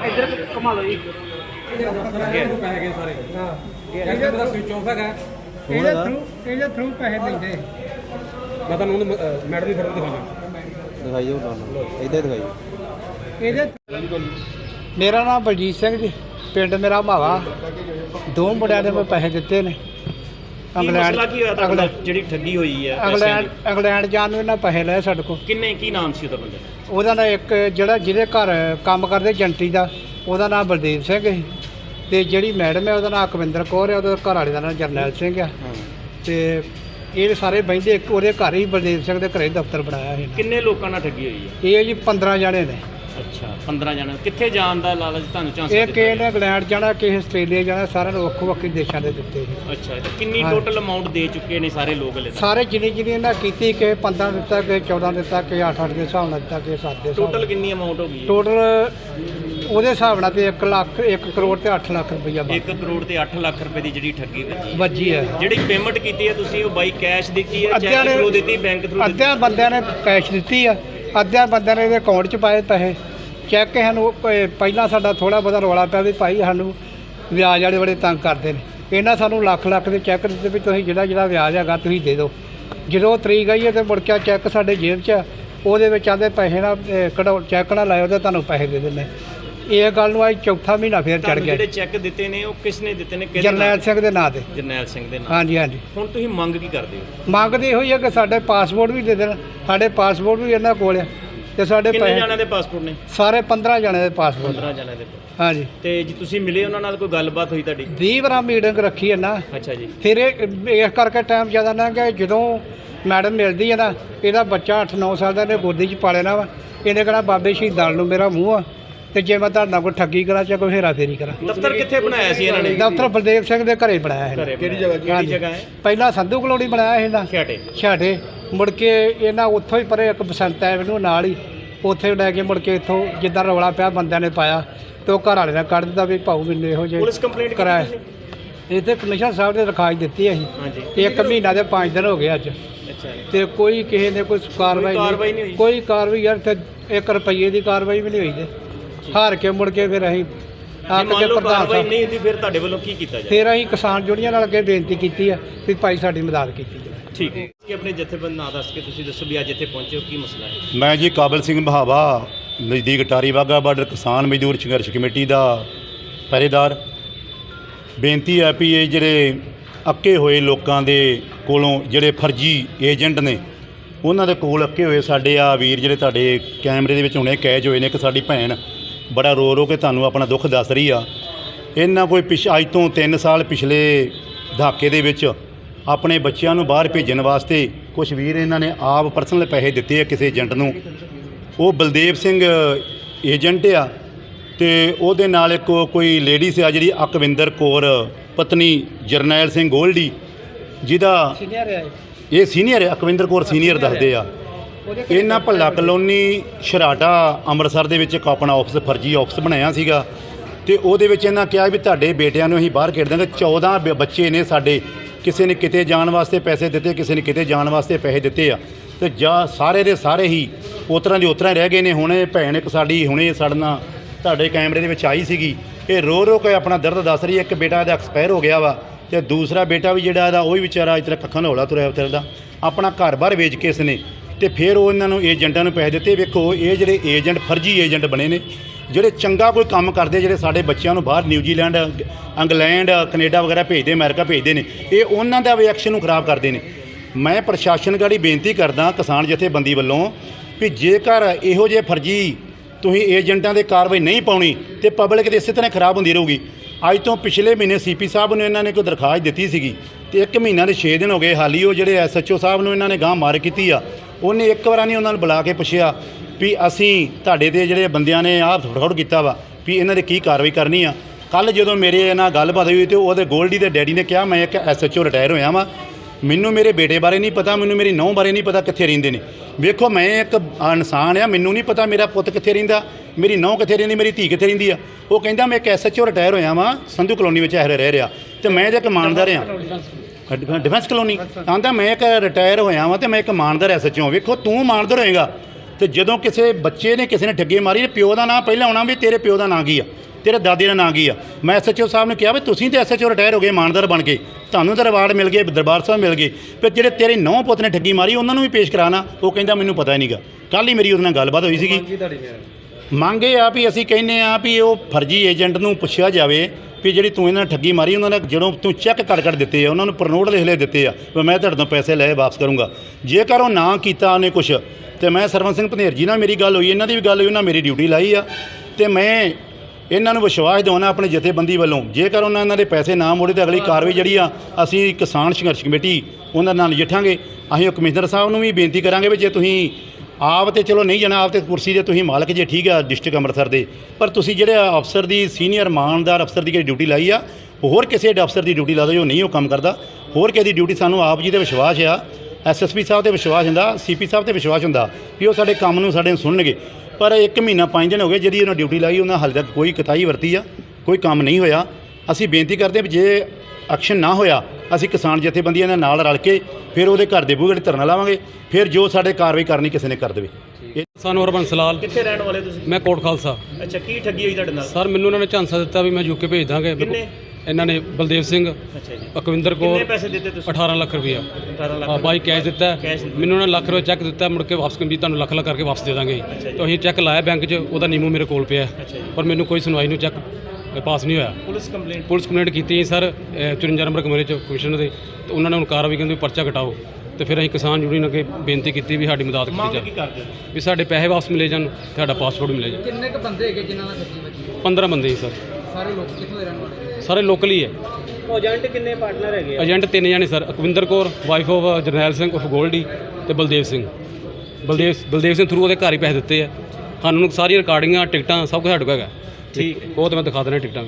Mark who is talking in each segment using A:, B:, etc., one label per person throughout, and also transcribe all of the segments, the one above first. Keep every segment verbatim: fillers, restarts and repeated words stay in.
A: ਇੱਧਰ ਘੁਮਾ ਲਓ ਜੀ।
B: ਪੈਸੇ ਗਏ ਸਾਰੇ ਹਾਂ ਇਹਦਾ ਮੇਰਾ ਸਵਿਚ ਆਫ ਹੈਗਾ ਇਹਦੇ ਥਰੂ ਇਹਦੇ ਥਰੂ ਪੈਸੇ ਲੈਂਦੇ ਮੈਂ ਤੁਹਾਨੂੰ ਹੁਣ ਮੈਡਮ ਦੀ ਫੋਟੋ ਦਿਖਾਉਣਾ
C: ਦਿਖਾਈ ਦਿਓ ਤੁਹਾਨੂੰ ਇੱਧਰ ਦਿਖਾਈ
B: ਇਹਦੇ ਮੇਰਾ ਨਾਮ ਬਲਜੀਤ ਸਿੰਘ ਜੀ ਪਿੰਡ ਮੇਰਾ ਮਾਵਾ ਦੋ ਮੁੰਡਿਆਂ ਨੇ ਮੈਂ ਪੈਸੇ ਦਿੱਤੇ ਨੇ ਇੰਗਲੈਂਡ
A: ਅਗਲਾ ਜਿਹੜੀ ਠੱਗੀ ਹੋਈ ਹੈ
B: ਇੰਗਲੈਂਡ ਇੰਗਲੈਂਡ ਜਾਣ ਨੂੰ ਇਹਨਾਂ ਪੈਸੇ ਲਏ ਸਾਡੇ ਕੋਲ
A: ਕਿੰਨੇ ਕੀ ਨਾਮ ਸੀ ਉਹਦਾ ਬੰਦੇ
B: ਉਹਦਾ ਨਾਂ ਇੱਕ ਜਿਹੜਾ ਜਿਹਦੇ ਘਰ ਕੰਮ ਕਰਦੇ ਜੰਟੀ ਦਾ ਉਹਦਾ ਨਾਮ ਬਲਦੇਵ ਸਿੰਘ ਸੀ ਤੇ ਜਿਹੜੀ ਮੈਡਮ ਹੈ ਉਹਦਾ ਨਾਮ ਅਕਵਿੰਦਰ ਕੌਰ ਹੈ ਉਹਦੇ ਘਰ ਵਾਲੇ ਦਾ ਨਾਮ ਜਰਨੈਲ ਸਿੰਘ ਆ ਤੇ ਇਹ ਸਾਰੇ ਬਹਿੰਦੇ ਇੱਕ ਉਹਦੇ ਘਰ ਹੀ ਬਲਦੇਵ ਸਿੰਘ ਦੇ ਘਰੇ ਦਫ਼ਤਰ ਬਣਾਇਆ ਸੀ।
A: ਕਿੰਨੇ ਲੋਕਾਂ ਨਾਲ ਠੱਗੀ ਹੋਈ ਹੈ
B: ਇਹ ਜੀ ਪੰਦਰਾਂ ਜਣੇ ਨੇ।
A: ਅੱਛਾ ਪੰਦਰਾਂ ਜਣੇ ਕਿੱਥੇ ਜਾਣ ਦਾ ਲਾਲਚ ਤੁਹਾਨੂੰ ਚਾਂਸ
B: ਇਹ ਕਿਸੇ ਨੇ ਇੰਗਲੈਂਡ ਜਾਣਾ ਕਿਸੇ ਆਸਟ੍ਰੇਲੀਆ ਜਾਣਾ ਸਾਰਿਆਂ ਨੂੰ ਵੱਖੋ ਵੱਖਰੇ ਦੇਸ਼ਾਂ ਦੇ ਦਿੱਤੇ ਸੀ।
A: ਅੱਛਾ ਤੇ ਕਿੰਨੀ ਟੋਟਲ ਅਮਾਉਂਟ ਦੇ ਚੁੱਕੇ ਨੇ ਸਾਰੇ ਲੋਕ ਹਲੇ
B: ਸਾਰੇ ਜਿੰਨੀ ਜਿੰਨੀ ਇਹਨਾਂ ਕੀਤੀ ਕਿ ਪੰਦਰਾਂ ਦਿੱਤਾ ਕਿ ਚੌਦਾਂ ਦਿੱਤਾ ਕਿ ਅੱਠ ਅੱਠ ਦੇ ਹਿਸਾਬ ਨਾਲ ਦਿੱਤਾ ਕਿ ਸੱਤ ਦੇ ਹਿਸਾਬ
A: ਟੋਟਲ ਕਿੰਨੀ ਅਮਾਉਂਟ ਹੋ ਗਈ
B: ਟੋਟਲ ਉਹਦੇ ਹਿਸਾਬ ਨਾਲ ਤੇ ਇੱਕ ਲੱਖ ਇੱਕ ਕਰੋੜ ਤੇ ਅੱਠ ਲੱਖ ਰੁਪਈਆ
A: ਇੱਕ ਕਰੋੜ ਤੇ ਅੱਠ ਲੱਖ ਰੁਪਏ ਦੀ ਜਿਹੜੀ ਠੱਗੀ ਵੱਜੀ
B: ਵੱਜੀ ਹੈ।
A: ਜਿਹੜੀ ਪੇਮੈਂਟ ਕੀਤੀ ਹੈ ਤੁਸੀਂ ਉਹ ਬਾਈ ਕੈਸ਼ ਦਿੱਤੀ ਹੈ ਚੈੱਕ ਥਰੂ ਦਿੱਤੀ ਬੈਂਕ ਥਰੂ
B: ਅੱਧਿਆਂ ਬੰਦਿਆਂ ਨੇ ਕੈਸ਼ ਦਿੱਤੀ ਆ ਅੱਧਿਆਂ ਬੰਦਿਆਂ ਨੇ ਇਹਦੇ ਅਕਾਊਂਟ 'ਚ ਪਾਏ ਪੈਸੇ ਚੈੱਕ ਸਾਨੂੰ ਪਹਿਲਾਂ ਸਾਡਾ ਥੋੜ੍ਹਾ ਬਹੁਤਾ ਰੌਲਾ ਪਿਆ ਵੀ ਭਾਈ ਸਾਨੂੰ ਵਿਆਜ ਵਾਲੇ ਬੜੇ ਤੰਗ ਕਰਦੇ ਨੇ ਇਹਨਾਂ ਸਾਨੂੰ ਲੱਖ ਲੱਖ ਦੇ ਚੈੱਕ ਦਿੱਤੇ ਵੀ ਤੁਸੀਂ ਜਿਹੜਾ ਜਿਹੜਾ ਵਿਆਜ ਹੈਗਾ ਤੁਸੀਂ ਦੇ ਦਿਓ। ਜਦੋਂ ਤਰੀਕ ਆਈ ਹੈ ਤੇ ਮੁੜ ਕੇ ਚੈੱਕ ਸਾਡੇ ਜੇਬ 'ਚ ਉਹਦੇ ਵਿੱਚ ਆਉਂਦੇ ਪੈਸੇ ਨਾਲ ਕਢਾਓ ਚੈੱਕ ਨਾ ਲਾਇਓ ਤੇ ਤੁਹਾਨੂੰ ਪੈਸੇ ਦੇ ਦਿੰਦੇ। ਇਹ ਗੱਲ ਨੂੰ ਅੱਜ ਚੌਥਾ ਮਹੀਨਾ ਫੇਰ ਚੜ ਗਿਆ।
A: ਜਿਹੜੇ ਚੈੱਕ ਦਿੱਤੇ ਨੇ ਉਹ ਕਿਸ ਨੇ ਦਿੱਤੇ ਨੇ?
B: ਜਰਨੈਲ ਸਿੰਘ ਦੇ ਨਾਂ ਤੇ।
A: ਜਰਨੈਲ ਸਿੰਘ ਦੇ ਨਾਂ?
B: ਹਾਂਜੀ ਹਾਂਜੀ।
A: ਹੁਣ ਤੁਸੀਂ ਮੰਗ ਕੀ ਕਰਦੇ ਹੋ?
B: ਮੰਗ ਤੇ ਇਹੋ ਹੀ ਹੈ ਕਿ ਸਾਡੇ ਪਾਸਪੋਰਟ ਵੀ ਦੇ ਦੇਣ। ਸਾਡੇ ਪਾਸਪੋਰਟ ਵੀ ਇਹਨਾਂ ਕੋਲ ਆ ਤੇ ਸਾਡੇ
A: ਕਿੰਨੇ ਜਣਿਆਂ ਦੇ ਪਾਸਪੋਰਟ ਨੇ?
B: ਸਾਰੇ ਪੰਦਰਾਂ ਜਣਿਆਂ ਦੇ ਪਾਸਪੋਰਟ।
A: ਪੰਦਰਾਂ ਜਣਿਆਂ ਦੇ।
B: ਹਾਂਜੀ।
A: ਤੇ ਜੀ ਤੁਸੀਂ ਮਿਲੇ ਉਹਨਾਂ ਨਾਲ ਕੋਈ ਗੱਲਬਾਤ ਹੋਈ ਤੁਹਾਡੀ? ਵੀਹ
B: ਵਾਰ ਮੀਟਿੰਗ ਰੱਖੀ ਹੈ ਨਾ।
A: ਅੱਛਾ ਜੀ। ਫਿਰ
B: ਇਹ ਇਸ ਕਰਕੇ ਟਾਈਮ ਜ਼ਿਆਦਾ ਨਾ ਕਿ ਜਦੋਂ ਮੈਡਮ ਮਿਲਦੀ ਹੈ ਨਾ ਇਹਦਾ ਬੱਚਾ ਅੱਠ ਨੌ ਸਾਲ ਦਾ ਇਹਨੇ ਗੋਦੀ 'ਚ ਪਾ ਲੈਣਾ ਵਾ ਇਹਨੇ ਕਹਿਣਾ ਬਾਬੇ ਸ਼ਹੀਦਾਂ ਨੂੰ ਮੇਰਾ ਮੂੰਹ ਆ ਤੇ ਜੇ ਮੈਂ ਤੁਹਾਡੇ ਨਾਲ ਕੋਈ ਠੱਗੀ ਕਰਾਂ ਜਾਂ ਕੋਈ ਹੇਰਾ ਫੇਰੀ ਕਰਾਂ।
A: ਦਫ਼ਤਰ ਕਿੱਥੇ ਬਣਾਇਆ ਸੀ ਇਹਨਾਂ ਨੇ?
B: ਦਫ਼ਤਰ ਬਲਦੇਵ ਸਿੰਘ ਦੇ ਘਰੇ ਬਣਾਇਆ ਹੈ।
A: ਕਿਹੜੀ ਜਗ੍ਹਾ? ਕਿਹੜੀ ਜਗ੍ਹਾ ਹੈ?
B: ਪਹਿਲਾਂ ਸੰਧੂ ਕਲੋਨੀ ਬਣਾਇਆ ਸੀ ਇਹਨਾਂ
A: ਛਾਟੇ
B: ਛਾਟੇ ਮੁੜ ਕੇ ਇਹਨਾਂ ਉੱਥੋਂ ਹੀ ਪਰੇ ਇੱਕ ਬਸੰਤ ਐਵਨਿਊ ਨਾਲ ਹੀ ਉੱਥੇ ਲੈ ਕੇ ਮੁੜ ਕੇ ਇੱਥੋਂ ਜਿੱਦਾਂ ਰੌਲਾ ਪਿਆ ਬੰਦਿਆਂ ਨੇ ਪਾਇਆ ਤੇ ਉਹ ਘਰ ਵਾਲੇ ਨੇ ਕੱਢ ਦਿੱਤਾ ਵੀ ਭਾਊ ਮੈਨੂੰ ਇਹੋ ਜਿਹੇ
A: ਪੁਲਿਸ ਕੰਪਲੇਂਟ
B: ਕਰਾਇਆ। ਇੱਥੇ ਕਮਿਸ਼ਨਰ ਸਾਹਿਬ ਨੇ ਦਰਖਾਸਤ ਦਿੱਤੀ ਅਸੀਂ।
A: ਹਾਂਜੀ।
B: ਇੱਕ ਮਹੀਨਾ ਦੇ ਪੰਜ ਦਿਨ ਹੋ ਗਏ ਅੱਜ ਤੇ ਕੋਈ ਕਿਸੇ ਨੇ ਕੋਈ ਕਾਰਵਾਈ ਨਹੀਂ ਕੋਈ ਕਾਰਵਾਈ ਯਾਰ ਤੇ ਇੱਕ ਰੁਪਈਏ ਦੀ ਕਾਰਵਾਈ ਵੀ ਨਹੀਂ ਹੋਈ ਤੇ ਹਾਰ ਕੇ ਮੁੜ ਕੇ ਫਿਰ ਅਸੀਂ ਆਕ ਕੇ ਪ੍ਰਧਾਨ ਸਾਹਿਬ
A: ਨਹੀਂ ਹੁੰਦੀ ਫਿਰ ਤੁਹਾਡੇ ਵੱਲੋਂ ਕੀ ਕੀਤਾ ਜਾਏ?
B: ਫਿਰ ਅਸੀਂ ਕਿਸਾਨ ਜੁੜੀਆਂ ਨਾਲ ਅੱਗੇ ਬੇਨਤੀ ਕੀਤੀ ਆ ਵੀ ਭਾਈ ਸਾਡੀ ਮਦਦ ਕੀਤੀ ਜਾਵੇ।
A: ਠੀਕ ਹੈ ਕਿ ਆਪਣੇ ਜਥੇਬੰਦ ਨਾਂ ਦੱਸ ਕੇ ਤੁਸੀਂ ਦੱਸੋ ਵੀ ਅੱਜ ਇੱਥੇ ਪਹੁੰਚੇ ਹੋ ਕੀ ਮਸਲਾ ਹੈ?
D: ਮੈਂ ਜੀ ਕਾਬਲ ਸਿੰਘ ਬਹਾਵਾ ਨਜ਼ਦੀਕ ਟਾਰੀ ਵਾਹਗਾ ਬਾਰਡਰ ਕਿਸਾਨ ਮਜ਼ਦੂਰ ਸੰਘਰਸ਼ ਕਮੇਟੀ ਦਾ ਪਹਿਰੇਦਾਰ। ਬੇਨਤੀ ਹੈ ਵੀ ਇਹ ਜਿਹੜੇ ਅੱਕੇ ਹੋਏ ਲੋਕਾਂ ਦੇ ਕੋਲੋਂ ਜਿਹੜੇ ਫਰਜ਼ੀ ਏਜੰਟ ਨੇ ਉਹਨਾਂ ਦੇ ਕੋਲ ਅੱਕੇ ਹੋਏ ਸਾਡੇ ਆ ਵੀਰ ਜਿਹੜੇ ਤੁਹਾਡੇ ਕੈਮਰੇ ਦੇ ਵਿੱਚ ਹੁਣੇ ਕੈਦ ਹੋਏ ਨੇ। ਇੱਕ ਸਾਡੀ ਭੈਣ ਬੜਾ ਰੋ ਰੋ ਕੇ ਤੁਹਾਨੂੰ ਆਪਣਾ ਦੁੱਖ ਦੱਸ ਰਹੀ ਆ। ਇਹਨਾਂ ਕੋਈ ਪਿਛ ਅੱਜ ਤੋਂ ਤਿੰਨ ਸਾਲ ਪਿਛਲੇ ਦਹਾਕੇ ਦੇ ਵਿੱਚ ਆਪਣੇ ਬੱਚਿਆਂ ਨੂੰ ਬਾਹਰ ਭੇਜਣ ਵਾਸਤੇ ਕੁਝ ਵੀਰ ਇਹਨਾਂ ਨੇ ਆਪ ਪਰਸਨਲ ਪੈਸੇ ਦਿੱਤੇ ਆ ਕਿਸੇ ਏਜੰਟ ਨੂੰ। ਉਹ ਬਲਦੇਵ ਸਿੰਘ ਏਜੰਟ ਆ ਤੇ ਉਹਦੇ ਨਾਲ ਇੱਕ ਕੋਈ ਲੇਡੀਜ਼ ਆ ਜਿਹੜੀ ਅਕਵਿੰਦਰ ਕੌਰ ਪਤਨੀ ਜਰਨੈਲ ਸਿੰਘ ਗੋਲਡੀ ਜਿਹਦਾ ਇਹ ਸੀਨੀਅਰ ਹੈ। ਅਕਵਿੰਦਰ ਕੌਰ ਸੀਨੀਅਰ ਦੱਸਦੇ ਆ। ਇਹਨਾਂ ਭੱਲਾ ਕਲੋਨੀ ਸ਼ਰਾਟਾ ਅੰਮ੍ਰਿਤਸਰ ਦੇ ਵਿੱਚ ਇੱਕ ਆਪਣਾ ਆਫਿਸ ਫਰਜ਼ੀ ਆਫਿਸ ਬਣਾਇਆ ਸੀਗਾ ਤੇ ਉਹਦੇ ਵਿੱਚ ਇਹਨਾਂ ਕਿਹਾ ਵੀ ਤੁਹਾਡੇ ਬੇਟਿਆਂ ਨੂੰ ਅਸੀਂ ਬਾਹਰ ਖੇਡ ਦਾਂਗੇ। ਚੌਦਾਂ ਬੱਚੇ ਨੇ ਸਾਡੇ, ਕਿਸੇ ਨੇ ਕਿਤੇ ਜਾਣ ਵਾਸਤੇ ਪੈਸੇ ਦਿੱਤੇ, ਕਿਸੇ ਨੇ ਕਿਤੇ ਜਾਣ ਵਾਸਤੇ ਪੈਸੇ ਦਿੱਤੇ ਆ ਤੇ ਜਾਂ ਸਾਰੇ ਦੇ ਸਾਰੇ ਹੀ ਉਤਰਾਂ ਦੀ ਉਤਰਾਂ ਰਹਿ ਗਏ ਨੇ। ਹੁਣੇ ਭੈਣ ਇੱਕ ਸਾਡੀ ਹੁਣੇ ਸਾਡੇ ਨਾਲ ਤੁਹਾਡੇ ਕੈਮਰੇ ਦੇ ਵਿੱਚ ਆਈ ਸੀਗੀ, ਇਹ ਰੋ ਰੋ ਕੇ ਆਪਣਾ ਦਰਦ ਦੱਸ ਰਹੀ ਹੈ। ਇੱਕ ਬੇਟਾ ਇਹਦਾ ਐਕਸਪਾਇਰ ਹੋ ਗਿਆ ਵਾ ਤੇ ਦੂਸਰਾ ਬੇਟਾ ਵੀ ਜਿਹੜਾ ਇਹਦਾ ਉਹ ਵੀ ਵਿਚਾਰਾ ਇਸ ਤਰ੍ਹਾਂ ਕੱਖਾਂ ਨਾਲ ਹੌਲਾ ਤੁਰਿਆ ਫਿਰਦਾ ਆਪਣਾ ਘਰ-ਬਾਰ ਵੇਚ ਕੇ ਇਸਨੇ ਤੇ ਫਿਰ ਉਹ ਇਹਨਾਂ ਨੂੰ ਏਜੰਟਾਂ ਨੂੰ ਪੈਸੇ ਦਿੱਤੇ। ਵੇਖੋ ਇਹ ਜਿਹੜੇ ਏਜੰਟ ਫਰਜ਼ੀ ਏਜੰਟ ਬਣੇ ਨੇ ਜਿਹੜੇ ਚੰਗਾ ਕੋਈ ਕੰਮ ਕਰਦੇ, ਜਿਹੜੇ ਸਾਡੇ ਬੱਚਿਆਂ ਨੂੰ ਬਾਹਰ ਨਿਊਜ਼ੀਲੈਂਡ ਇੰਗਲੈਂਡ ਕੈਨੇਡਾ ਵਗੈਰਾ ਭੇਜਦੇ, ਅਮਰੀਕਾ ਭੇਜਦੇ ਨੇ, ਇਹ ਉਹਨਾਂ ਦਾ ਵੀ ਐਕਸ਼ਨ ਨੂੰ ਖਰਾਬ ਕਰਦੇ ਨੇ। ਮੈਂ ਪ੍ਰਸ਼ਾਸਨ ਗਾੜੀ ਬੇਨਤੀ ਕਰਦਾ ਕਿਸਾਨ ਜਥੇਬੰਦੀ ਵੱਲੋਂ ਵੀ ਜੇਕਰ ਇਹੋ ਜਿਹੇ ਫਰਜ਼ੀ ਤੁਸੀਂ ਏਜੰਟਾਂ ਦੇ ਕਾਰਵਾਈ ਨਹੀਂ ਪਾਉਣੀ ਤੇ ਪਬਲਿਕ ਦੇ ਇਸੇ ਤਰ੍ਹਾਂ ਖਰਾਬ ਹੁੰਦੀ ਰਹੂਗੀ। ਅੱਜ ਤੋਂ ਪਿਛਲੇ ਮਹੀਨੇ ਸੀ ਪੀ ਸਾਹਿਬ ਨੂੰ ਇਹਨਾਂ ਨੇ ਕੋਈ ਦਰਖਾਸਤ ਦਿੱਤੀ ਸੀਗੀ ਤੇ ਇੱਕ ਮਹੀਨਾ ਦੇ ਛੇ ਦਿਨ ਹੋ ਗਏ ਹਾਲੀ ਉਹ ਜਿਹੜੇ ਐਸ ਐਚ ਓ ਸਾਹਿਬ ਨੂੰ ਇਹਨਾਂ ਨੇ ਗਾਂਹ ਮਾਰ ਕੀਤੀ ਆ। ਉਹਨੇ ਇੱਕ ਵਾਰ ਨਹੀਂ ਉਹਨਾਂ ਨੂੰ ਬੁਲਾ ਕੇ ਪੁੱਛਿਆ ਵੀ ਅਸੀਂ ਤੁਹਾਡੇ ਤੇ ਜਿਹੜੇ ਬੰਦਿਆਂ ਨੇ ਆਹ ਫੜਫੜ ਕੀਤਾ ਵਾ ਵੀ ਇਹਨਾਂ ਦੇ ਕੀ ਕਾਰਵਾਈ ਕਰਨੀ ਆ। ਕੱਲ੍ਹ ਜਦੋਂ ਮੇਰੇ ਨਾਲ ਗੱਲਬਾਤ ਹੋਈ ਤੇ ਉਹਦੇ ਗੋਲਡੀ ਦੇ ਡੈਡੀ ਨੇ ਕਿਹਾ ਮੈਂ ਇੱਕ ਐਸ ਐਚ ਓ ਰਿਟਾਇਰ ਹੋਇਆ ਵਾਂ, ਮੈਨੂੰ ਮੇਰੇ ਬੇਟੇ ਬਾਰੇ ਨਹੀਂ ਪਤਾ, ਮੈਨੂੰ ਮੇਰੀ ਨੂੰਹ ਬਾਰੇ ਨਹੀਂ ਪਤਾ ਕਿੱਥੇ ਰਹਿੰਦੇ ਨੇ। ਵੇਖੋ ਮੈਂ ਇੱਕ ਇਨਸਾਨ ਆ, ਮੈਨੂੰ ਨਹੀਂ ਪਤਾ ਮੇਰਾ ਪੁੱਤ ਕਿੱਥੇ ਰਹਿੰਦਾ, ਮੇਰੀ ਨੂੰਹ ਕਿੱਥੇ ਰਹਿੰਦੀ, ਮੇਰੀ ਧੀ ਕਿੱਥੇ ਰਹਿੰਦੀ ਆ। ਉਹ ਕਹਿੰਦਾ ਮੈਂ ਇੱਕ ਐਸ ਐਚ ਓ ਰਿਟਾਇਰ ਹੋਇਆ ਵਾਂ, ਸੰਧੂ ਕਲੋਨੀ ਵਿੱਚ ਐ ਰਹਿ ਰਿਹਾ ਤੇ ਮੈਂ ਜੇ ਇੱਕ ਇਮਾਨਦਾਰ ਆ ਡਿਫੈਂਸ ਕਲੋਨੀ। ਆਂਦਾ ਮੈਂ ਇੱਕ ਰਿਟਾਇਰ ਹੋਇਆ ਵਾਂ ਤੇ ਮੈਂ ਇੱਕ ਇਮਾਨਦਾਰ ਐਸ ਐਚ ਓ। ਵੇਖੋ ਤੂੰ ਇਮਾਨਦਾਰ ਹੋਏਗਾ ਤੇ ਜਦੋਂ ਕਿਸੇ ਬੱਚੇ ਨੇ ਕਿਸੇ ਨੇ ਠੱਗੀ ਮਾਰੀ ਤੇ ਪਿਓ ਦਾ ਨਾਂ ਪਹਿਲਾਂ ਆਉਣਾ ਵੀ ਤੇਰੇ ਪਿਓ ਦਾ ਨਾਂ ਕੀ ਆ, ਤੇਰੇ ਦਾਦੇ ਦਾ ਨਾਂ ਕੀ ਆ। ਮੈਂ ਐਸ ਐਚ ਓ ਸਾਹਿਬ ਨੇ ਕਿਹਾ ਵੀ ਤੁਸੀਂ ਤੇ ਐਸ ਐਚ ਓ ਰਿਟਾਇਰ ਹੋ ਗਏ ਇਮਾਨਦਾਰ ਬਣ ਕੇ, ਤੁਹਾਨੂੰ ਤਾਂ ਰਿਵਾਰਡ ਮਿਲ ਗਏ, ਦਰਬਾਰ ਸਾਹਿਬ ਮਿਲ ਗਏ, ਫਿਰ ਜਿਹੜੇ ਤੇਰੇ ਨੌਂ ਪੁੱਤ ਨੇ ਠੱਗੀ ਮਾਰੀ ਉਹਨਾਂ ਨੂੰ ਵੀ ਪੇਸ਼ ਕਰਾਣਾ। ਉਹ ਕਹਿੰਦਾ ਮੈਨੂੰ ਪਤਾ ਹੀ ਨਹੀਂਗਾ। ਕੱਲ੍ਹ ਹੀ ਮੇਰੀ ਉਹਦੇ ਨਾਲ ਗੱਲਬਾਤ ਹੋਈ ਸੀਗੀ। ਮੰਗ ਇਹ ਆ ਵੀ ਅਸੀਂ ਕਹਿੰਦੇ ਆ ਵੀ ਉਹ ਫਰਜ਼ੀ ਏਜੰਟ ਨੂੰ ਪੁੱਛਿਆ ਜਾਵੇ ਵੀ ਜਿਹੜੀ ਤੂੰ ਇਹਨਾਂ ਨਾਲ ਠੱਗੀ ਮਾਰੀ ਉਹਨਾਂ ਨੇ ਜਦੋਂ ਤੂੰ ਚੈੱਕ ਕਰ ਕਰ ਦਿੱਤੇ ਆ, ਉਹਨਾਂ ਨੂੰ ਪ੍ਰਨੋਟ ਲਿਖ ਲੈ ਦਿੱਤੇ ਆ ਵੀ ਮੈਂ ਤੁਹਾਡੇ ਤੋਂ ਪੈਸੇ ਲਏ ਵਾਪਸ ਕਰੂੰਗਾ। ਜੇਕਰ ਉਹ ਨਾ ਕੀਤਾ ਉਹਨੇ ਕੁਛ ਤੇ ਮੈਂ ਸਰਵਨ ਸਿੰਘ ਭਨੇਰ ਜੀ ਨਾਲ ਮੇਰੀ ਗੱਲ ਹੋਈ, ਇਹਨਾਂ ਦੀ ਵੀ ਗੱਲ ਹੋਈ, ਉਹਨਾਂ ਮੇਰੀ ਡਿਊਟੀ ਲਾਈ ਆ ਤੇ ਮੈਂ ਇਹਨਾਂ ਨੂੰ ਵਿਸ਼ਵਾਸ ਦਿਵਾਉਣਾ ਆਪਣੇ ਜਥੇਬੰਦੀ ਵੱਲੋਂ ਜੇਕਰ ਉਹਨਾਂ ਇਹਨਾਂ ਦੇ ਪੈਸੇ ਨਾ ਮੋੜੇ ਤਾਂ ਅਗਲੀ ਕਾਰਵਾਈ ਜਿਹੜੀ ਆ ਅਸੀਂ ਕਿਸਾਨ ਸੰਘਰਸ਼ ਕਮੇਟੀ ਉਹਨਾਂ ਨਾਲ ਨਜਿੱਠਾਂਗੇ। ਅਸੀਂ ਉਹ ਕਮਿਸ਼ਨਰ ਸਾਹਿਬ ਨੂੰ ਵੀ ਬੇਨਤੀ ਕਰਾਂਗੇ ਵੀ ਜੇ ਤੁਸੀਂ ਆਪ ਤੇ ਚਲੋ ਨਹੀਂ ਜਾਣਾ, ਆਪ ਤੇ ਕੁਰਸੀ ਦੇ ਤੁਸੀਂ ਮਾਲਕ ਜੇ ਠੀਕ ਆ ਡਿਸਟ੍ਰਿਕਟ ਅੰਮ੍ਰਿਤਸਰ ਦੇ, ਪਰ ਤੁਸੀਂ ਜਿਹੜੇ ਅਫਸਰ ਦੀ ਸੀਨੀਅਰ ਇਮਾਨਦਾਰ ਅਫਸਰ ਦੀ ਜਿਹੜੀ ਡਿਊਟੀ ਲਾਈ ਆ, ਹੋਰ ਕਿਸੇ ਅਫਸਰ ਦੀ ਡਿਊਟੀ ਲਾ ਦਿਓ ਜੋ ਨਹੀਂ ਉਹ ਕੰਮ ਕਰਦਾ। ਹੋਰ ਕਿਸੇ ਦੀ ਡਿਊਟੀ ਸਾਨੂੰ ਆਪ ਜੀ ਤੇ ਵਿਸ਼ਵਾਸ ਆ, ਐਸ ਐਸ ਪੀ ਸਾਹਿਬ ਤੇ ਵਿਸ਼ਵਾਸ ਹੁੰਦਾ, ਸੀ ਪੀ ਸਾਹਿਬ ਤੇ ਵਿਸ਼ਵਾਸ ਹੁੰਦਾ ਵੀ ਉਹ ਸਾਡੇ ਕੰਮ ਨੂੰ ਸਾਡੇ ਨੂੰ ਸੁਣਨਗੇ। ਪਰ ਇੱਕ ਮਹੀਨਾ ਪੰਜ ਦਿਨ ਹੋ ਗਏ ਜਿਹੜੀ ਉਹਨਾਂ ਡਿਊਟੀ ਲਾਈ, ਉਹਨਾਂ ਹਾਲੇ ਤੱਕ ਕੋਈ ਕਿਤਾਈ ਵਰਤੀ ਆ, ਕੋਈ ਕੰਮ ਨਹੀਂ ਹੋਇਆ। ਅਸੀਂ ਬੇਨਤੀ ਕਰਦੇ ਵੀ ਜੇ ਐਕਸ਼ਨ ਨਾ ਹੋਇਆ ਅਸੀਂ ਕਿਸਾਨ ਜਥੇਬੰਦੀਆਂ ਦੇ ਨਾਲ ਰਲ ਕੇ ਫਿਰ ਉਹਦੇ ਘਰ ਦੇ ਬੂਹੇ ਧਰਨਾ ਲਾਵਾਂਗੇ, ਫਿਰ ਜੋ ਸਾਡੇ ਕਾਰਵਾਈ ਕਰਨੀ ਕਿਸੇ ਨੇ ਕਰ ਦੇਵੇ।
E: ਸਾਨੂੰ ਹਰਬੰਸ ਲਾਲ,
A: ਕਿੱਥੇ ਰਹਿਣ ਵਾਲੇ ਤੁਸੀਂ?
E: ਮੈਂ ਕੋਟ ਖਾਲਸਾ।
A: ਅੱਛਾ, ਕੀ ਠੱਗੀ ਹੋਈ ਤੁਹਾਡੇ ਨਾਲ?
E: ਸਰ ਮੈਨੂੰ ਉਹਨਾਂ ਨੇ ਝਾਂਸਾ ਦਿੱਤਾ ਵੀ ਮੈਂ ਯੂਕੇ ਭੇਜ ਦਾਂਗੇ।
A: ਕਿੰਨੇ?
E: ਇਹਨਾਂ ਨੇ ਬਲਦੇਵ ਸਿੰਘ,
A: ਅੱਛਾ ਜੀ।
E: ਅਕਵਿੰਦਰ
A: ਕਿੰਨੇ
E: ਕੌਰ,
A: ਪੈਸੇ ਦਿੱਤੇ ਤੁਸੀਂ?
E: ਅਠਾਰਾਂ ਲੱਖ ਰੁਪਈਆ।
A: ਅਠਾਰਾਂ ਲੱਖ
E: ਹਾਂ ਬਾਈ ਕੈਸ਼ ਦਿੱਤਾ ਹੈ।
A: ਕੈਸ਼ ਦਿੱਤਾ।
E: ਮੈਨੂੰ ਉਹਨਾਂ ਨੇ ਲੱਖ ਰੁਪਏ ਚੈੱਕ ਦਿੱਤਾ, ਮੁੜ ਕੇ ਵਾਪਸ ਵੀ ਤੁਹਾਨੂੰ ਲੱਖ ਲੱਖ ਕਰਕੇ ਵਾਪਸ ਦੇ ਦਾਂਗੇ।
A: ਅੱਛਾ ਜੀ।
E: ਤਾਂ ਅਸੀਂ ਚੈੱਕ ਲਾਇਆ ਬੈਂਕ 'ਚ, ਉਹਦਾ ਨੀਮੋ ਮੇਰੇ ਕੋਲ ਪਿਆ,
A: ਅੱਛਾ ਜੀ।
E: ਪਰ ਮੈਨੂੰ ਕੋਈ ਸੁਣਵਾਈ ਨਹੀਂ, ਚੈੱਕ ਪਾਸ ਨਹੀਂ ਹੋਇਆ।
A: Police complaint?
E: ਪੁਲਿਸ ਕੰਪਲੇਂਟ ਕੀਤੀ ਸਰ ਚੁਰੰਜਾ ਨੰਬਰ ਕਮਰੇ 'ਚ ਕਮਿਸ਼ਨਰ ਦੇ, ਤੇ ਉਹਨਾਂ ਨੇ ਹੁਣ ਕਾਰਵਾਈ ਕਹਿੰਦੇ ਪਰਚਾ ਘਟਾਓ। ਤੇ ਫਿਰ ਅਸੀਂ ਕਿਸਾਨ ਯੂਨੀਅਨ ਅੱਗੇ ਬੇਨਤੀ ਕੀਤੀ ਵੀ ਸਾਡੀ ਮਦਦ ਕੀਤੀ
A: ਮੰਗ ਕੀ
E: ਜਾਵੇ,
A: ਕਰਦੇ ਹੋ?
E: ਵੀ ਸਾਡੇ ਪੈਸੇ ਵਾਪਸ ਮਿਲੇ ਜਾਣ, ਸਾਡਾ ਪਾਸਪੋਰਟ ਮਿਲੇ ਜਾਏ।
F: ਕਿੰਨੇ ਕ ਬੰਦੇ ਹੈਗੇ ਜਿਨ੍ਹਾਂ ਦਾ ਠੱਗੀ ਵੱਜੀ?
E: ਪੰਦਰਾਂ ਬੰਦੇ ਸੀ ਸਰ,
F: ਸਾਰੇ ਲੋਕ ਕਿੱਥੋਂ ਦੇ ਰਹਿਣ ਵਾਲੇ?
E: ਸਾਰੇ ਲੋਕਲ ਹੀ ਹੈ।
A: ਏਜੰਟ ਕਿੰਨੇ ਪਾਰਟਨਰ ਹੈਗੇ?
E: ਏਜੰਟ ਤਿੰਨ ਜਣੇ sir, Akwinder Kaur wife of Jarnail Singh of Goldie ਤੇ ਬਲਦੇਵ ਸਿੰਘ। ਬਲਦੇਵ ਬਲਦੇਵ ਸਿੰਘ ਥਰੂ ਉਹਦੇ ਘਰ ਹੀ ਪੈਸੇ ਦਿੱਤੇ ਆ ਸਾਨੂੰ, ਸਾਰੀਆਂ ਰਿਕਾਰਡਿੰਗਾਂ ਟਿਕਟਾਂ ਸਭ ਕੁਝ ਸਾਡੇ ਕੋਲ ਹੈਗਾ।
A: ਠੀਕ
E: ਉਹ ਤਾਂ ਮੈਂ ਦਿਖਾ ਦੇਣਾ ਟਿਕਟਾਂ ਵੀ।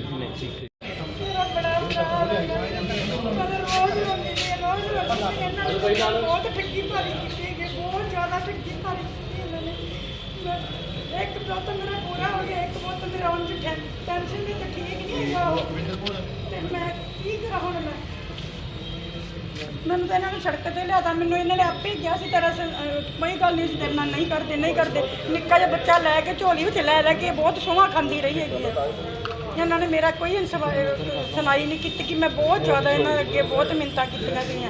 G: ਬਹੁਤ ਠੱਗੀ ਮਾਰੀ ਕੀਤੀ ਹੈਗੀ, ਬਹੁਤ ਜ਼ਿਆਦਾ ਠੱਗੀ ਮਾਰੀ ਕੀਤੀ ਇਹਨਾਂ ਨੇ। ਮੈਂ- ਇੱਕ ਪੁੱਤ ਮੇਰਾ ਪੂਰਾ ਹੋ ਗਿਆ, ਇੱਕ ਪੁੱਤ ਮੇਰਾ ਹੁਣ ਟੈਨਸ਼ਨ ਵੀ ਤਾਂ ਠੀਕ ਨਹੀਂ ਹੈਗਾ ਉਹ, ਤੇ ਮੈਂ ਕੀ ਕਰਾਂ ਹੁਣ? ਮੈਂ ਮੈਨੂੰ ਤਾਂ ਇਹਨਾਂ ਨੇ ਸੜਕ ਤੇ ਲਿਆਦਾ, ਮੈਨੂੰ ਇਹਨਾਂ ਨੇ ਆਪੇ ਹੀ ਕਿਹਾ ਸੀ ਤੇਰਾ ਸ- ਅਹ ਕੋਈ ਗੱਲ ਨਹੀਂ ਸੀ ਤੇਰੇ ਨਾਲ, ਨਹੀਂ ਕਰਦੇ ਨਹੀਂ ਕਰਦੇ। ਨਿੱਕਾ ਜਿਹਾ ਬੱਚਾ ਲੈ ਕੇ ਝੋਲੀ ਵਿੱਚ ਲੈ ਲੈ ਕੇ ਬਹੁਤ ਸੋਹਾਂ ਖਾਂਦੀ ਰਹੀ ਹੈਗੀ ਹੈ। ਇਹਨਾਂ ਨੇ ਮੇਰਾ ਕੋਈ ਇਨਸਵਾ- ਅਹ ਸੁਣਾਈ ਨਹੀਂ ਕੀਤੀ ਕਿ ਮੈਂ ਬਹੁਤ ਜ਼ਿਆਦਾ ਇਹਨਾਂ ਅੱਗੇ ਬਹੁਤ ਮਿੰਨਤਾਂ ਕੀਤੀਆਂ ਗਈਆਂ।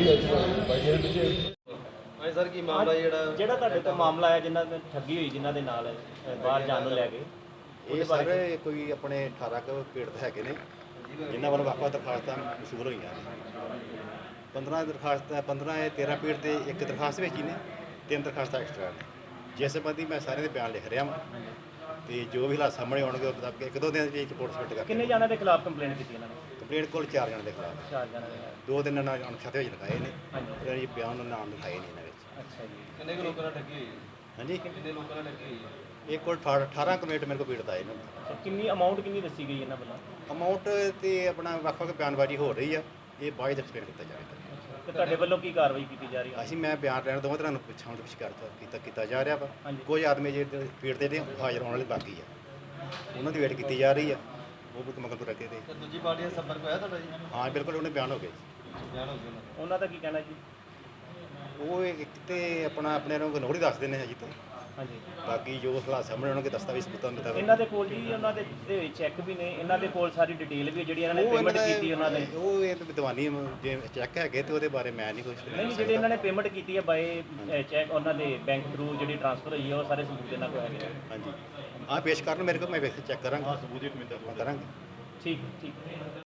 C: ਹਾਂਜੀ ਸਰ, ਕੀ ਮਾਮਲਾ ਜਿਹੜਾ
A: ਜਿਹੜਾ ਤੁਹਾਡੇ ਤੋਂ ਮਾਮਲਾ ਆਇਆ ਜਿਨ੍ਹਾਂ ਨੇ ਠੱਗੀ ਹੋਈ, ਜਿਨ੍ਹਾਂ ਦੇ ਨਾਲ ਅ, ਬਾਹਰ ਜਾਣ ਨੂੰ ਲੈ ਗਏ,
H: ਇਹ ਸਾਰੇ ਕੋਈ ਆਪਣੇ ਅਠਾਰਾਂ ਕੁ ਪੀੜਤ ਹੈਗੇ ਨੇ ਜਿਨ੍ਹਾਂ ਵੱਲੋਂ ਵੱਖ-ਵੱਖ ਦਰਖਾਸਤਾਂ ਮਸੂਲ ਹੋਈਆਂ ਨੇ। ਪੰਦਰਾਂ ਦਰਖਾਸਤਾਂ ਪੰਦਰਾਂ ਇਹ ਤੇਰਾਂ ਪੀੜ ਤੇ ਇੱਕ ਦਰਖਾਸਤ ਵਿੱਚ ਹੀ ਨੇ, ਤਿੰਨ ਦਰਖਾਸਤਾਂ ਐਕਸਟਰਾ ਨੇ। ਜਿਸ ਸੰਬੰਧੀ ਮੈਂ ਸਾਰਿਆਂ ਦੇ ਬਿਆਨ ਲਿਖ ਰਿਹਾ ਹਾਂ ਤੇ ਜੋ ਵੀ ਹਾਲਾਤ ਸਾਹਮਣੇ ਆਉਣਗੇ ਉਹ ਮੁਤਾਬਕ ਇੱਕ ਦੋ ਦਿਨ ਦੇ ਵਿੱਚ ਰਿਪੋਰਟ ਸਬਮਿਟ ਕਰ
A: ਕਿੰਨੇ ਜਣਿਆਂ ਦੇ ਖਿਲਾਫ ਕੰਪਲੇਂਟ ਕੀਤੀ ਇਹਨਾਂ ਨੇ?
H: ਕੰਪਲੇਂਟ ਕੋਲ ਚਾਰ ਜਣਾਂ ਦੇ ਖਿਲਾਫ,
A: ਚਾਰ ਜਣਿਆਂ ਦੇ ਖਿਲਾਫ।
H: ਦੋ ਦਿਨ ਨਾਲ ਅਣਖਤੇ ਵਿੱਚ ਲਿਖਾਏ ਨੇ,
A: ਹਾਂਜੀ।
H: ਉਹਨਾਂ ਦੇ ਬਿਆਨ ਨੂੰ ਨਾਮ ਲਿਖਾਏ ਨੇ ਇਹਨਾਂ ਵਿੱਚ।
A: ਅੱਛਾ ਜੀ।
C: ਕਿੰਨੇ ਕੁ ਲੋਕਾਂ ਨਾਲ ਠੱਗੀ ਹੋਈ?
H: ਹਾਂਜੀ,
C: ਕਿੰਨੇ ਲੋਕਾਂ ਨਾਲ ਠੱਗੀ ਹੋਈ?
H: ਇਹ ਕੋਲ ਅਠਾਰਾਂ ਕੰਪਲੇਂਟ ਮੇਰੇ ਕੋਲ ਪੀੜਤ ਆਏ ਨੇ।
A: ਅੱਛਾ, ਕਿੰਨੀ ਅਮਾਉਂਟ ਕਿੰਨੀ ਦੱਸੀ ਗਈ ਇਹਨਾਂ ਵੱਲੋਂ?
H: ਅਮਾਊਂਟ ਤੇ ਆਪਣਾ ਵੱਖ-ਵੱਖ ਬਿਆਨਬਾਜ਼ੀ ਹੋ ਰਹੀ ਆ, ਇਹ ਬਾਅਦ ਵਿੱਚ ਐਕਸਪਲੇਨ ਕੀਤਾ ਜਾਵੇਗਾ।
A: ਤੇ ਤੁਹਾਡੇ ਵੱਲੋਂ ਕੀ ਕਾਰਵਾਈ ਕੀਤੀ ਜਾ ਰਹੀ ਹੈ?
H: ਅਸੀਂ ਮੈਂ ਬਿਆਨ ਲੈਣ ਦੋਵਾਂ ਤਰ੍ਹਾਂ ਨੂੰ ਪੁੱਛਾਂ ਪੁੱਛ ਕਰਤਾ ਕੀਤਾ ਕੀਤਾ ਜਾ ਰਿਹਾ ਵਾ।
A: ਹਾਂਜੀ।
H: ਕੁਝ ਆਦਮੀ ਜਿਹੜੇ ਪੀੜ ਦੇ ਨੇ ਹਾਜ਼ਰ ਹੋਣ ਵਾਲੇ ਬਾਕੀ ਆ, ਉਹਨਾਂ ਦੀ ਵੇਟ ਕੀਤੀ ਜਾ ਰਹੀ ਆ, ਉਹ ਵੀ ਮਗਰ ਤੋਂ ਰੱਖੇ ਤੇ।
C: ਤੇ ਦੂਜੀ ਪਾਰਟੀ ਦਾ ਸੰਪਰਕ ਹੋਇਆ ਤੁਹਾਡਾ ਜੀ?
H: ਹਾਂ ਬਿਲਕੁਲ, ਉਹਨੇ ਬਿਆਨ ਹੋ ਗਏ।
C: ਬਿਆਨ ਹੋ ਗਿਆ ਉਹਨਾਂ ਦਾ।
A: ਉਹਨਾਂ ਦਾ ਕੀ ਕਹਿਣਾ ਜੀ?
H: ਉਹ ਇੱਕ ਤੇ ਆਪਣਾ ਆਪਣੇ ਨੂੰ ਗਨੋੜੀ ਦੱਸਦੇ ਨੇ ਅਜੇ ਤਾਂ,
A: ਹਾਂਜੀ।
H: ਬਾਕੀ ਜੋ ਹਾਲਾਤ ਸਾਹਮਣੇ ਆਉਣਗੇ ਦਸਤਾਵੇਜ਼ ਸਬੂਤਾਂ ਦੇ
A: ਇਹਨਾਂ ਦੇ ਕੋਲ ਜੀ ਉਹਨਾਂ ਦੇ ਚੈੱਕ ਵੀ ਨੇ, ਇਹਨਾਂ ਦੇ ਕੋਲ ਸਾਰੀ ਡਿਟੇਲ ਵੀ ਹੈ ਜਿਹੜੀ ਇਹਨਾਂ ਨੇ ਪੇਮੈਂਟ ਕੀਤੀ ਉਹਨਾਂ ਨੇ।
H: ਉਹ ਇਹ ਵਿਦਵਾਨੀ ਜੇ ਚੈੱਕ ਹੈਗੇ ਤੇ ਉਹਦੇ ਬਾਰੇ ਮੈਂ ਨਹੀਂ ਕੁਝ
A: ਨਹੀਂ, ਜਿਹੜੇ ਇਹਨਾਂ ਨੇ ਪੇਮੈਂਟ ਕੀਤੀ ਹੈ ਬਾਏ ਚੈੱਕ ਉਹਨਾਂ ਦੇ ਬੈਂਕ ਥਰੂ ਜਿਹੜੀ ਟ੍ਰਾਂਸਫਰ ਹੋਈ ਹੈ ਉਹ ਸਾਰੇ ਸਬੂਤ ਇਹਨਾਂ ਕੋਲ ਹੈਗੇ।
H: ਹਾਂਜੀ, ਆਹ ਪੇਸ਼ ਕਰਨ ਮੇਰੇ ਕੋਲ, ਮੈਂ ਵੇਖ ਚੈੱਕ ਕਰਾਂਗਾ, ਸਬੂਤ ਇੱਕ ਮਿੰਟ ਕਰਾਂਗੇ।
A: ਠੀਕ ਠੀਕ।